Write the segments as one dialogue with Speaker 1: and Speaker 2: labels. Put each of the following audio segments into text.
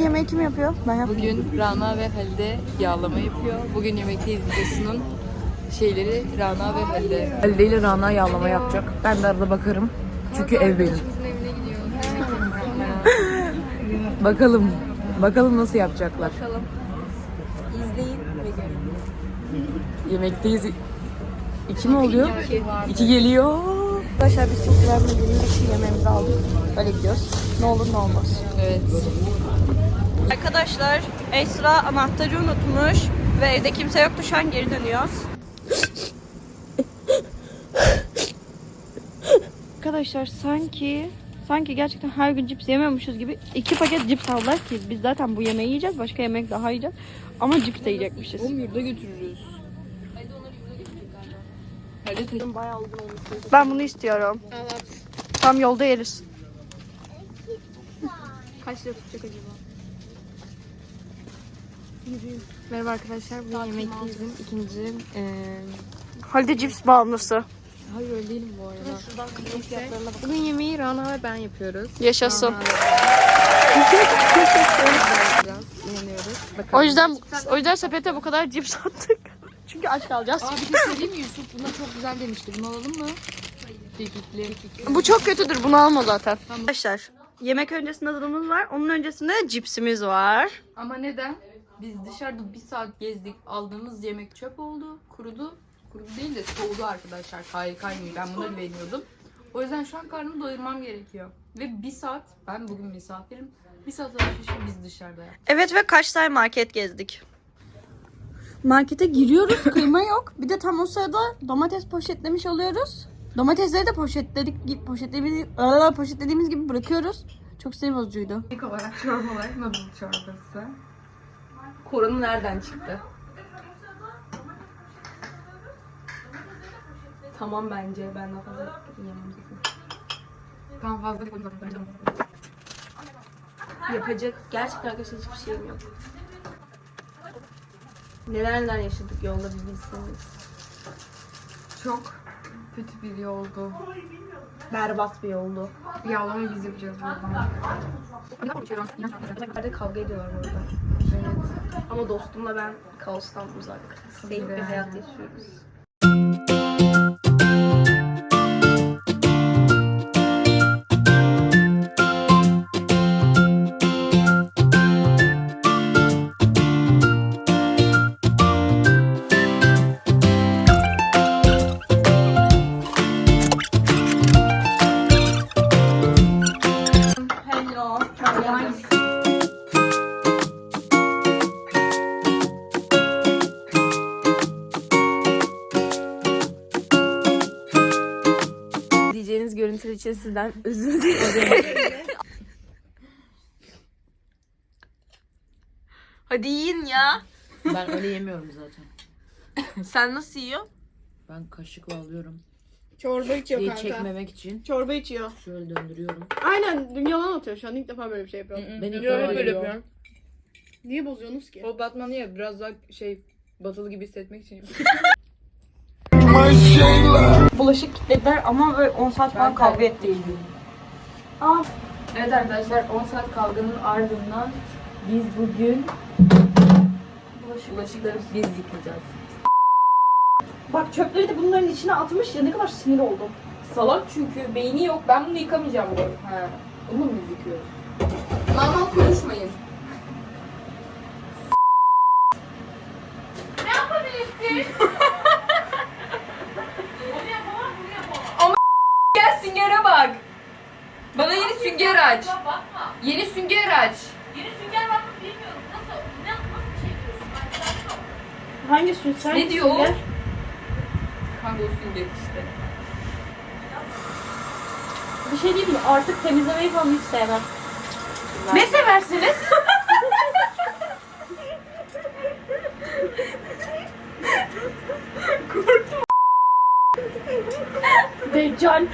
Speaker 1: yemeği kim yapıyor? Ben yapıyorum.
Speaker 2: Bugün Rana ve Halide yağlama yapıyor. Bugün yemekteyiz videosunun şeyleri Rana ve Halide.
Speaker 3: Halide ile Rana yağlama yapacak. Ben de arada bakarım. Çünkü ev benim.
Speaker 2: Evine gidiyoruz.
Speaker 3: Bakalım. Bakalım nasıl yapacaklar.
Speaker 2: Bakalım. İzleyin ve görün.
Speaker 3: Yemekteyiz. 2 mi oluyor? 2 geliyor.
Speaker 1: Arkadaşlar biz çok güvenmediğimiz için yemeğimizi aldık. Böyle gidiyoruz. Ne olur ne olmaz.
Speaker 2: Evet.
Speaker 1: Arkadaşlar Esra anahtarı unutmuş ve evde kimse yoktu. Şu an geri dönüyoruz. Arkadaşlar sanki gerçekten her gün cips yemiyormuşuz gibi 2 paket cips aldılar ki biz zaten bu yemeği yiyeceğiz. Başka yemek daha yiyeceğiz. Ama cips de yiyecekmişiz.
Speaker 2: Oğlum yurda götürürüz. Halide bayağı uzun olmuş.
Speaker 1: Ben bunu istiyorum.
Speaker 2: Evet.
Speaker 1: Tam yolda yeriz.
Speaker 2: Kaç lira tutacak acaba? Merhaba arkadaşlar. Bu yemekteyizin ikinci...
Speaker 1: Halide cips bağımlısı.
Speaker 2: Hayır öyle değilim bu arada. Bugün yemeği Rana ve ben yapıyoruz.
Speaker 1: Yaşasın.
Speaker 2: Rana ve biraz inanıyoruz. Bakalım.
Speaker 1: O yüzden sepete bu kadar cips attık. Çünkü aç kalacağız.
Speaker 2: Aa bir şey söyleyeyim mi Yusuf? Buna çok güzel demişti. Bunu alalım mı? Kekikli.
Speaker 1: Bu çok kötüdür. Bunu alma zaten. Tamam. Arkadaşlar yemek öncesinde tadımız var. Onun öncesinde cipsimiz var.
Speaker 2: Ama neden? Biz dışarıda bir saat gezdik. Aldığımız yemek çöp oldu. Kurudu. Kurudu değil de soğudu arkadaşlar. Kaynıyor. Ben buna güveniyordum. O yüzden şu an karnımı doyurmam gerekiyor. Ve bir saat, ben bugün misafirim. Bir saat alışverişi biz dışarıda yaptık.
Speaker 1: Evet ve kaç tane market gezdik. Markete giriyoruz. Kıyma yok. Bir de tam o sırada domates poşetlemiş oluyoruz. Domatesleri de poşetlediğimiz gibi bırakıyoruz. Çok sinir bozucuydu.
Speaker 2: İlk olarak çorbalar, noodle çorbası. Koronu nereden çıktı? Tamam bence. Ben daha fazla yiyemem zaten. Tamam fazla
Speaker 1: Yapacak gerçekten arkadaşlar hiçbir şeyim yok. Neler yaşadık yolda bir bilseniz.
Speaker 2: Çok kötü bir yoldu.
Speaker 1: Berbat bir yoldu.
Speaker 2: Yağlamayı biz yapacağız buradan.
Speaker 1: Nerede kavga ediyorlar orada.
Speaker 2: Evet.
Speaker 1: Ama dostumla ben kaostan uzak. Safe bir
Speaker 2: Yani.
Speaker 1: hayat yaşıyoruz. Hello.
Speaker 3: Diyeceğiniz görüntüler için sizden özür dilerim.
Speaker 1: Hadi yiyin ya.
Speaker 3: Ben öyle yemiyorum zaten.
Speaker 1: Sen nasıl yiyorsun?
Speaker 3: Ben kaşıkla alıyorum.
Speaker 4: Çorba içiyor
Speaker 3: Diye
Speaker 4: kanka.
Speaker 3: çekmemek için
Speaker 4: Çorba içiyor.
Speaker 3: şöyle döndürüyorum.
Speaker 4: Aynen yalan atıyor şu an. İlk defa böyle bir şey yapıyorum.
Speaker 3: Ben ilk
Speaker 2: Yo,
Speaker 3: defa
Speaker 2: böyle
Speaker 3: yiyorum.
Speaker 2: yapıyorum.
Speaker 4: Niye bozuyorsunuz ki?
Speaker 2: O batmanı ya biraz daha batılı gibi hissetmek için.
Speaker 1: Bulaşık kilitlediler ama böyle 10 saat falan kavga ettik.
Speaker 2: Evet arkadaşlar 10 saat kavganın ardından biz bugün bulaşıkları biz yıkayacağız.
Speaker 1: Bak çöpleri de bunların içine atmış ya ne kadar sinir oldum.
Speaker 2: Salak çünkü beyni yok. Ben bunu yıkamayacağım bu. He. Bunu mu biz yıkıyoruz? Normal konuşmayın. Ne yapabilirsin? Onu yapamam, bunu yapamam. Ama gel süngere bak. Bana yeni sünger aç. Yeni sünger aç.
Speaker 5: Yeni sünger var mı bilmiyorum. Nasıl bir şey diyorsun?
Speaker 1: Hangi sünger?
Speaker 2: Ne diyor o? Kanka o sünger işte.
Speaker 1: Bir şey diyeyim mi? Artık temizlemeyi falan hiç sevmem.
Speaker 2: Ne seversiniz?
Speaker 1: Deccal.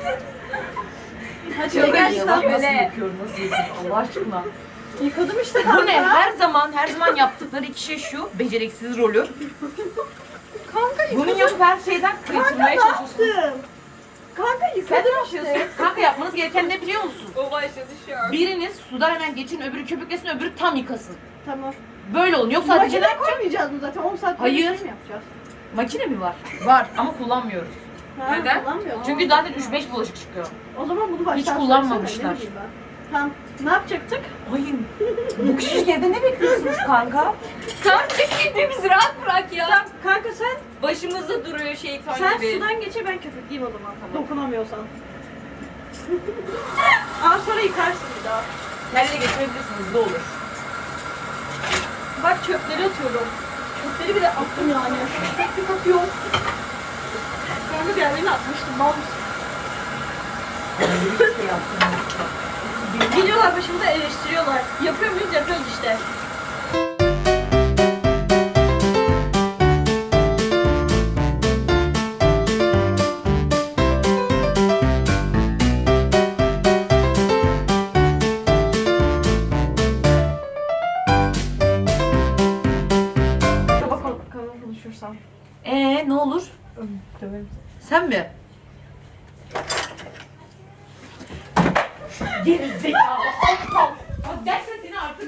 Speaker 1: Hadi gerçekten
Speaker 3: Nasıl yapıyorum? Nasıl yapıyorum? Allah aşkına.
Speaker 1: yıkadım işte.
Speaker 3: Bu ne? Her zaman yaptıkları iki şey şu. Beceriksiz rolü. Kanka bunun yapıp her şeyden kaçırmaya çalışıyorsunuz.
Speaker 1: Kanka yıkadım.
Speaker 3: Kanka yapmanız gereken ne biliyor musun?
Speaker 1: O başladı şu an.
Speaker 3: Biriniz sudan hemen geçin, öbürü köpüklesin, öbürü tam yıkasın.
Speaker 4: Tamam.
Speaker 3: Böyle olun. Yoksa Hatice ne
Speaker 4: Makineye
Speaker 3: yapacak?
Speaker 4: koymayacağız mı zaten? 10 saat
Speaker 3: Hayır.
Speaker 4: bir şey mi yapacağız?
Speaker 3: Makine mi var? Var ama kullanmıyoruz.
Speaker 4: Ha,
Speaker 3: Neden?
Speaker 4: kullanmıyoruz.
Speaker 3: Çünkü zaten 3-5 bulaşık çıkıyor.
Speaker 4: O zaman bunu baştan
Speaker 3: Hiç
Speaker 4: söylesene,
Speaker 3: kullanmamışlar.
Speaker 4: ne bileyim ben. Tamam. Ne yapacaktık?
Speaker 3: Hayır. Bu küçücük evde ne bekliyorsunuz kanka?
Speaker 1: Kanka bizi rahat bırak ya.
Speaker 4: Kanka sen
Speaker 1: Başımızda duruyor şeytan
Speaker 4: sen
Speaker 1: gibi.
Speaker 4: sudan geçe ben köpükleyeyim o zaman. Dokunamıyorsan. Ama sonra yıkarsın bir daha.
Speaker 3: Kendine geçirebilirsiniz, hızlı olur.
Speaker 4: Bak çöpleri atıyorum. Çöpleri bile attım yani. Tek tek atıyorum. Sonra diğerlerini atmıştım. Mal mısın? Geliyorlar başımıza eleştiriyorlar. Yapıyor muyuz? Yapıyoruz işte. Bakalım konuşursam.
Speaker 3: Ne olur? Sen mi? Geri zekalı. Aptal. Bak gerçekten seni artık...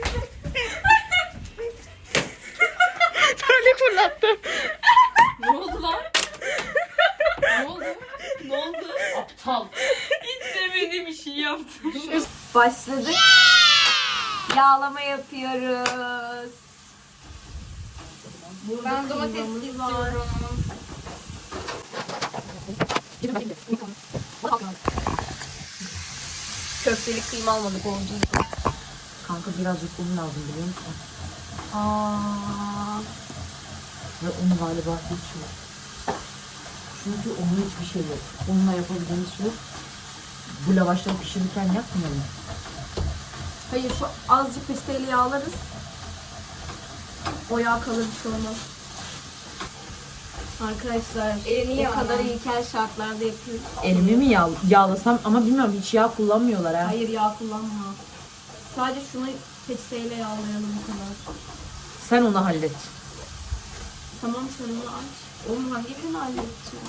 Speaker 4: Böyle fırlattım.
Speaker 2: Ne oldu lan? Ne oldu?
Speaker 1: Ne oldu?
Speaker 3: Aptal.
Speaker 1: Hiç sevmediğim bir şey yaptım. Başladık. Yağlama yapıyoruz.
Speaker 2: Ben domates istiyorum.
Speaker 1: Köfteli kıyma almadık oldu.
Speaker 3: Kanka birazcık un lazım biliyor musun?
Speaker 1: Aa.
Speaker 3: Ve un galiba hiç yok. Çünkü onun hiçbir şey yok. Unla yapabildiğimiz şey yok. Bu lavaşları pişirirken yapmayalım.
Speaker 1: Hayır şu azıcık peçeteyle yağlarız. O yağ kalır bir şey olmaz. Arkadaşlar o kadar ilkel şartlarda yapıyoruz.
Speaker 3: Elimi mi yağlasam ama bilmiyorum hiç yağ kullanmıyorlar ha.
Speaker 1: Hayır yağ kullanma. Sadece şunu peçeteyle yağlayalım bu kadar.
Speaker 3: Sen onu hallet.
Speaker 1: Tamam sen onu aç. Oğlum hangi birini halledeceğim?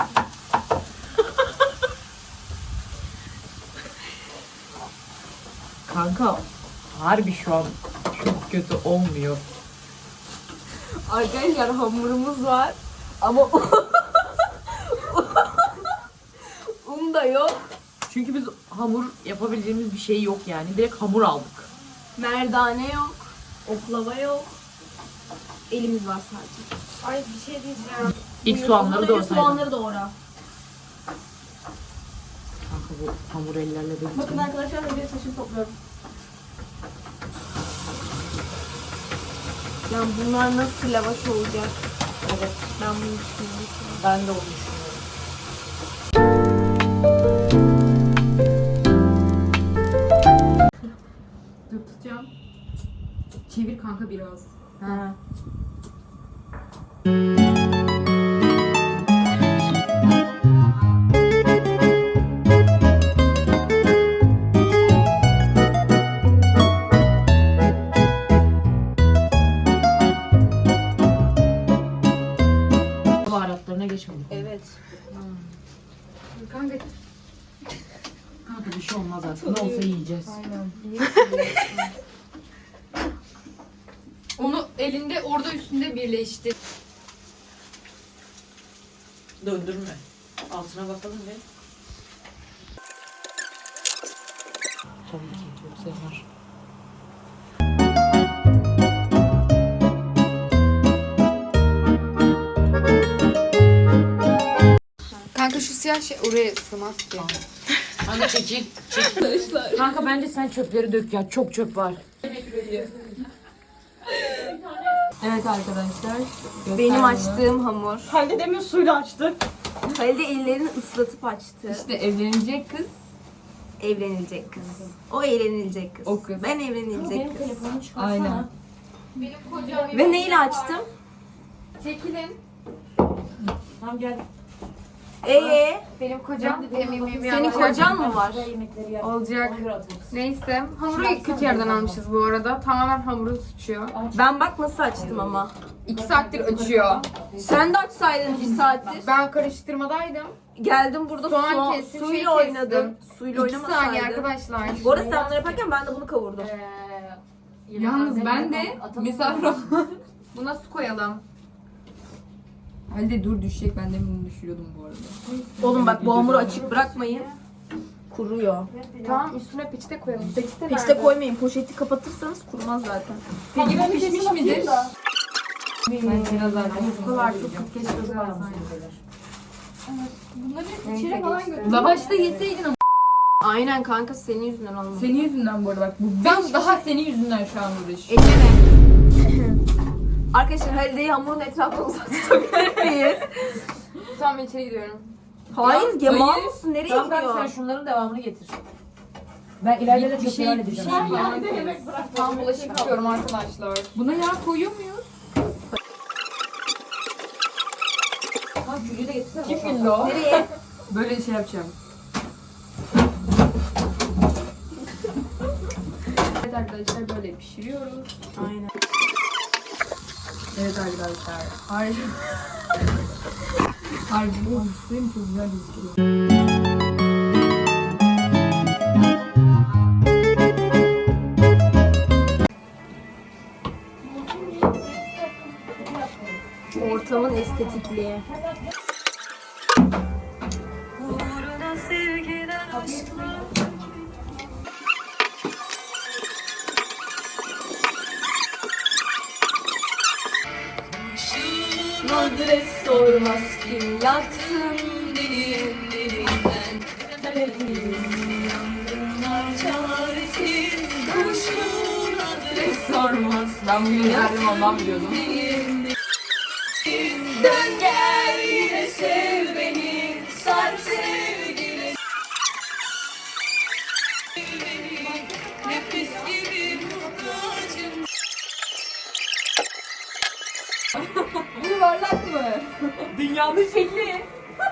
Speaker 3: Kanka harbi şu an çok kötü olmuyor.
Speaker 1: Arkadaşlar hamurumuz var ama un da yok.
Speaker 3: Çünkü biz hamur yapabileceğimiz bir şey yok yani. Direkt hamur aldık.
Speaker 1: Merdane yok. Oklava yok. Elimiz var sadece.
Speaker 4: Ay bir şey diyeceğim.
Speaker 3: İlk soğanları doğrasaydın.
Speaker 1: Soğanları doğra.
Speaker 3: Kanka bu hamur ellerle de
Speaker 4: Bakın
Speaker 3: gitmiyor.
Speaker 4: arkadaşlar bir saçımı topluyorum.
Speaker 1: Yani bunlar nasıl lavaş olacak? Evet. Ben bunu düşünüyorum.
Speaker 3: Ben de onu düşünüyorum.
Speaker 2: Dur tutacağım. Çevir kanka biraz.
Speaker 3: Ha. Baharatlarına geçmedik.
Speaker 1: Evet.
Speaker 2: Kanka
Speaker 3: Kanka bir şey olmaz artık. Ne olsa yiyeceğiz.
Speaker 2: onu elinde orada üstünde birleştir.
Speaker 3: Döndürme. Altına bakalım ve. Tabii ki çok sever.
Speaker 2: Kanka şu siyah şey oraya sığmaz ki.
Speaker 3: Kanka çekil. Kanka bence sen çöpleri dök ya. Çok çöp var.
Speaker 1: Evet arkadaşlar. Benim açtığım hamur.
Speaker 4: Halde demin suyla açtık.
Speaker 1: Halide ellerini ıslatıp açtı.
Speaker 2: İşte evlenecek kız.
Speaker 1: Evlenilecek kız. O evlenilecek kız.
Speaker 2: O kız.
Speaker 1: Ben evlenilecek kız.
Speaker 2: Aynen. Benim kocam
Speaker 1: Ve neyle açtım?
Speaker 2: Çekilin.
Speaker 3: Tamam gel.
Speaker 2: Benim kocam
Speaker 1: Senin kocan mı var?
Speaker 2: olacak. Neyse. Hamuru kötü yerden almışız bu arada. Tamamen hamuru sıçıyor.
Speaker 1: Ben bak nasıl açtım ama.
Speaker 2: 2 saattir açıyor.
Speaker 1: Sen de açsaydın bir saattir.
Speaker 2: Ben karıştırmadaydım.
Speaker 4: geldim burada
Speaker 2: Soğan kestim,
Speaker 4: suyla
Speaker 2: şey
Speaker 4: oynadım.
Speaker 2: kestim.
Speaker 4: Suyla
Speaker 2: 2 saniye
Speaker 4: oynamasaydım.
Speaker 2: arkadaşlar.
Speaker 4: Bu arada sen bunları yaparken ben de bunu kavurdum.
Speaker 2: Yalnız ben de misafir buna su koyalım. Halde dur düşecek. Ben de bunu düşürüyordum bu arada.
Speaker 4: Oğlum bak bu hamuru açık bırakmayın. Kuruyor.
Speaker 2: Tamam üstüne peçete koyalım. Peçete
Speaker 4: Peçete koymayın. Poşeti kapatırsanız kurumaz zaten.
Speaker 2: Peki pişmiş midir? Ben biraz daha
Speaker 3: Yufkalar çok keşke ısparsaydı.
Speaker 2: Bunları hep içeri falan götür. Lavaşta yeseydin ama.
Speaker 4: Aynen kanka senin yüzünden olmadı.
Speaker 2: Senin yüzünden bu arada bak. Ben daha senin yüzünden şu an uğraş.
Speaker 4: Elleme. Arkadaşlar Halide'yi hamurun etrafına uzak tutabilir miyiz?
Speaker 2: Tamam ben içeri gidiyorum.
Speaker 4: Hayır,
Speaker 2: Ya,
Speaker 4: yaman
Speaker 2: hayır.
Speaker 4: mısın? Nereye
Speaker 3: Tamam kanka sen
Speaker 4: gidiyor?
Speaker 3: şunların devamını getir. Ben ileride de
Speaker 2: Bir
Speaker 3: çok
Speaker 2: şey-
Speaker 3: şey
Speaker 2: bir
Speaker 3: edeceğim.
Speaker 2: şey- Tam bulaşık yıkıyorum arkadaşlar. Buna yağ koyuyor muyuz?
Speaker 3: Tamam külü de getirsene.
Speaker 2: Kim güldü o?
Speaker 4: Nereye?
Speaker 2: Böyle şey yapacağım. Evet arkadaşlar böyle pişiriyoruz.
Speaker 4: Aynen.
Speaker 2: Evet arkadaşlar. Harbi. Harbi bu hissiyim çok güzel gözüküyor.
Speaker 4: Ortamın estetikliği. Adres sormaz kim yaktın benim elimden. Yangınlar çaresiz kuşun adres sormaz.
Speaker 2: Ben bugün verdim ondan biliyordum.
Speaker 4: Dön gel yine sev beni, sar sevgili. Nefes gibi muhtacım.
Speaker 2: Bu yuvarlak mı?
Speaker 4: Dünyanın şekli.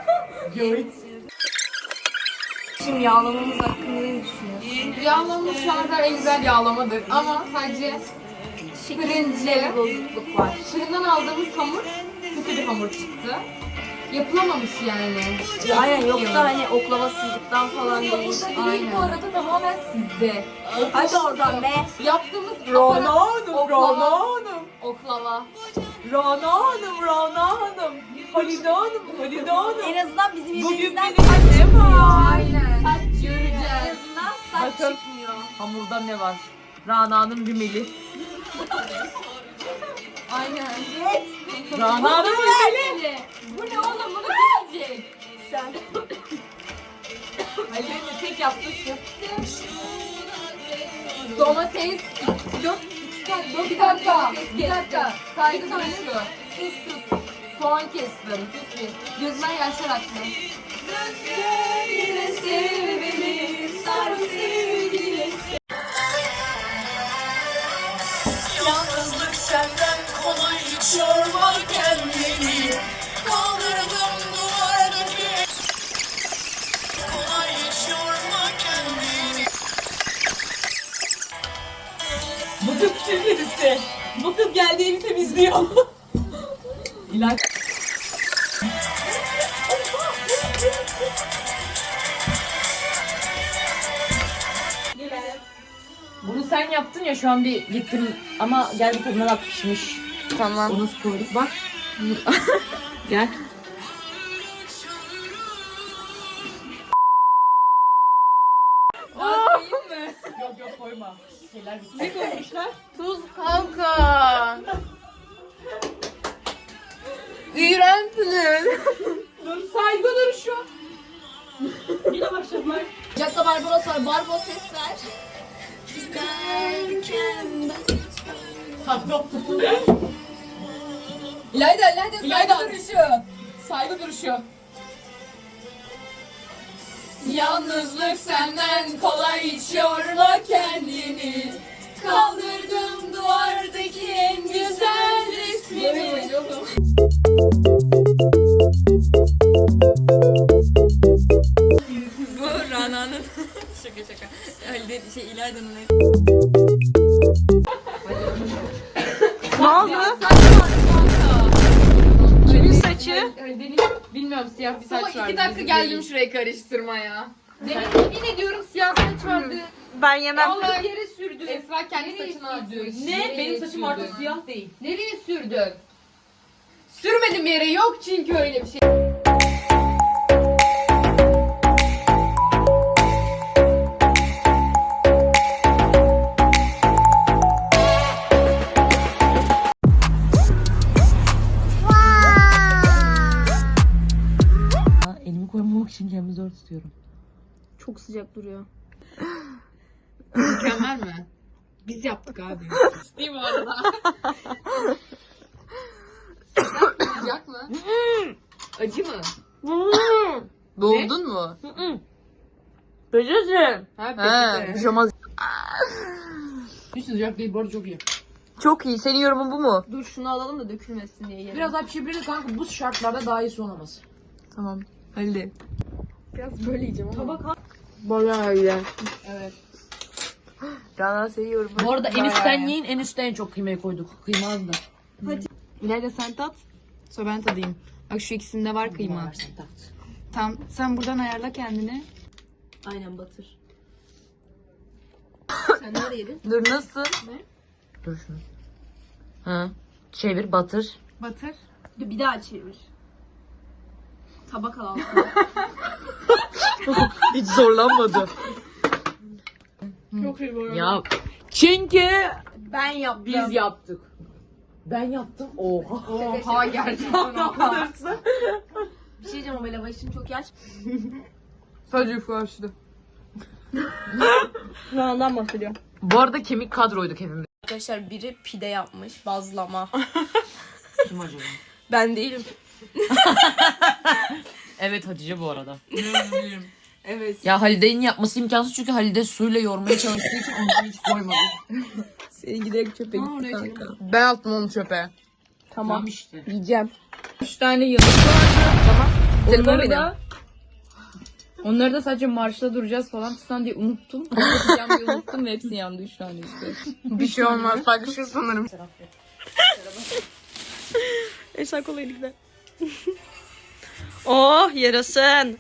Speaker 4: Şimdi yağlamamız hakkında ne düşünüyorsun?
Speaker 2: Yağlama şu an en güzel yağlamadır ama sadece
Speaker 4: Şekilde bir bozukluk var.
Speaker 2: fırından aldığımız hamur kötü bir hamur çıktı. Yapılamamış yani.
Speaker 4: Aynen, yoksa hani oklavasızlıktan falan değil.
Speaker 2: Aynen. Bu arada tamamen sizde.
Speaker 4: Hadi oradan be.
Speaker 2: Yaptığımız
Speaker 4: Rana
Speaker 2: Oklava.
Speaker 4: Hanım.
Speaker 2: oklava.
Speaker 4: Rana Hanım. Halide Hanım. En azından bizim yemeğimizden
Speaker 3: benim
Speaker 4: saç
Speaker 3: annem
Speaker 4: çıkmıyor.
Speaker 2: Aynen.
Speaker 4: Saç çıkmıyor. En
Speaker 2: Göreceğiz.
Speaker 4: azından saç
Speaker 3: Bakın.
Speaker 4: çıkmıyor.
Speaker 3: Hamurda ne var? Rana'nın rümeli.
Speaker 2: Aynen.
Speaker 4: Evet.
Speaker 3: Rana'nın rümeli.
Speaker 2: Bu ne oğlum? Bunu kim yiyecek?
Speaker 4: Sen.
Speaker 2: Ali'nin tek yaptığı şu. Domates. Bir dakika. Saygı duruşu. Sus. Soğan kestim. Sus bir. Gözünden yaşlar aktı.
Speaker 4: Yine sev beni, sar sevgili. Yalnızlık senden kolay, hiç yorma kendini. Kaldırdım duvardaki. Kolay, hiç yorma kendini.
Speaker 3: Bu kız kim birisi? Bu kız geldi evi temizliyor. İlaç. Bunu sen yaptın ya şu an bir gittim ama gel bir tadına bak pişmiş.
Speaker 2: Tamam.
Speaker 3: Onu nasıl koyduk bak. Gel. Yok koyma. Şeyler bitti. Ne koymuşlar?
Speaker 2: Tuz kanka. İğrençsiniz.
Speaker 3: Saygı duruşu.
Speaker 4: Yine başladılar. Jack'ta Barbaros var. Barbaros ses ver.
Speaker 2: İlayda saygı duruşu.
Speaker 4: Yalnızlık senden kolay, hiç yorma kendini. Kaldırdım duvardaki en güzel resmini.
Speaker 2: Bu Rana'nın şaka. Halide İlayda'nın
Speaker 1: Ne oldu?
Speaker 2: saçma kanka.
Speaker 1: Kimin saçı?
Speaker 2: Halide'nin bilmem bilmiyorum siyah bir saç
Speaker 5: Son
Speaker 2: vardı.
Speaker 5: 2 dakika
Speaker 2: bizim
Speaker 5: geldim
Speaker 2: değil.
Speaker 5: şurayı karıştırmaya.
Speaker 2: Yemin ediyorum siyah saç vardı.
Speaker 1: Ben yemem.
Speaker 2: Vallahi yere sürdü.
Speaker 5: Esra kendi
Speaker 2: Nereye
Speaker 5: saçını atıyor.
Speaker 2: sürdün?
Speaker 4: Ne? Benim saçım artık siyah değil.
Speaker 2: Nereye sürdün?
Speaker 5: Sürmedim yere, yok çünkü öyle bir şey.
Speaker 3: Elimi koymamak için kendimi zor tutuyorum.
Speaker 1: Çok sıcak duruyor.
Speaker 2: Mükemmel mi? Biz yaptık abi.
Speaker 5: Değil mi arada? Sıcak mı?
Speaker 2: Acı mı? Boğuldun mu?
Speaker 3: Peçete.
Speaker 2: Ha
Speaker 3: He, pijama.
Speaker 2: Hiç sıcak değil, bu arada çok iyi.
Speaker 3: Çok iyi. Senin yorumun bu mu?
Speaker 1: Dur şunu alalım da dökülmesin diye yiyelim.
Speaker 3: Biraz daha pişirebiliriz kanka. Bu şartlarda daha iyisi olamaz.
Speaker 2: Tamam. Hadi.
Speaker 1: Biraz böyle yiyeceğim ama.
Speaker 4: Tabak
Speaker 2: Bayağı iyi.
Speaker 1: Evet.
Speaker 2: Rana seviyorum.
Speaker 3: Bu arada en üstten yiyin. En üstten en çok kıymayı koyduk. Kıyma az da.
Speaker 2: İleride sen tat. Sonra ben tadayım. Bak şu ikisinde var kıyma.
Speaker 3: Versen tat.
Speaker 2: Tamam. Sen buradan ayarla kendini.
Speaker 1: Aynen batır. Sen nerede yedin?
Speaker 3: Dur nasıl?
Speaker 1: Ne?
Speaker 3: Dur şunu. Ha. Çevir batır.
Speaker 2: Batır.
Speaker 1: Dur bir daha çevir. Tabak al.
Speaker 3: Hiç zorlanmadı.
Speaker 1: Çok iyi bu arada.
Speaker 3: Ya çünkü
Speaker 1: Ben yaptım.
Speaker 3: biz yaptık. Ben yaptım. Oha.
Speaker 2: Oha gerçekten.
Speaker 1: Bir şey diyeceğim ama lavaşın çok yaş.
Speaker 2: Sadece ufaştı.
Speaker 1: Ondan bahsediyorum.
Speaker 3: Bu arada kemik kadroyduk hepimiz.
Speaker 1: Arkadaşlar biri pide yapmış. Bazlama.
Speaker 3: Kim acaba?
Speaker 1: Ben değilim.
Speaker 3: Evet Hatice bu arada.
Speaker 2: Evet.
Speaker 3: Ya Halide'nin yapması imkansız çünkü Halide suyla yoğurmaya çalıştığı için onu hiç koymadı.
Speaker 1: Senin giderek çöpe gitti kanka.
Speaker 2: Ben attım onu çöpe.
Speaker 1: Tamam.
Speaker 3: işte.
Speaker 1: Yiyeceğim.
Speaker 2: 3 tane yıldız vardı. Tamam.
Speaker 1: Telefon
Speaker 2: Onları da sadece marşta duracağız falan fistan diye unuttum. Yapacağım diye unuttum ve hepsi yandı 3 tane işte. Bir şey olmaz. Paylaşır sanırım.
Speaker 1: Esra kola elikler. Oh yarasın.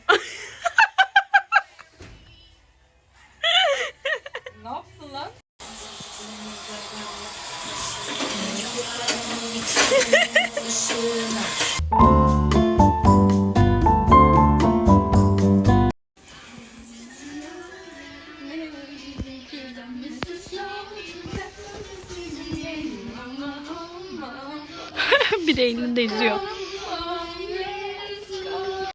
Speaker 5: Ne yaptın lan?
Speaker 1: Bir de elinde izliyor.